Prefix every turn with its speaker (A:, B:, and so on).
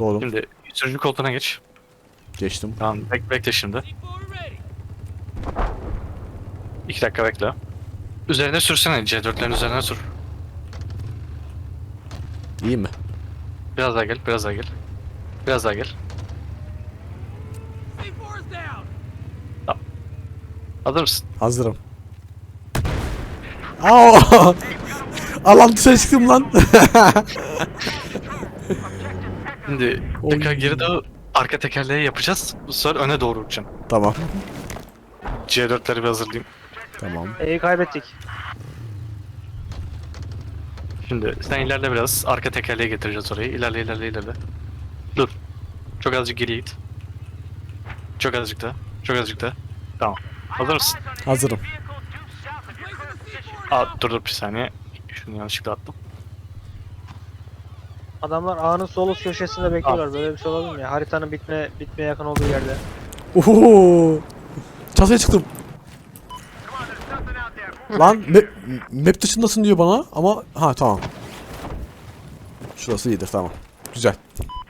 A: Doğru.
B: Şimdi sürücü koltuğuna geç.
A: Geçtim.
B: Tamam bekle şimdi. 2 dakika bekle. Üzerine sürsene, C4'lerin üzerine sür.
A: İyi mi?
B: Biraz daha gel, biraz daha gel. Biraz daha gel. Tamam. Hazır mısın?
A: Hazırım. Aa! Alan dışarı çıktım lan.
B: Şimdi
A: Oy.
B: tekrar geri doğru arka tekerleği yapacağız. Bu sefer öne doğru uçacaksın.
A: Tamam.
B: C4'leri bir hazırlayayım.
A: Tamam.
C: Kaybettik.
B: Şimdi sen ilerle biraz. Arka tekerleği getireceğiz orayı. İlerle. Dur. Çok azıcık geriye git. Çok azıcık daha. Çok azıcık daha. Tamam. Hazır mısın?
A: Hazırım.
B: Dur bir saniye. Şunu yanlışlıkla attım.
C: Adamlar ağanın sol üst köşesinde bekliyorlar. Böyle bir şey olabilir mi ya? Haritanın bitmeye yakın olduğu yerde.
A: Oho! Çatıya çıktım. Lan map dışındasın diyor bana ama ha tamam. Şurası iyidir tamam. Güzel.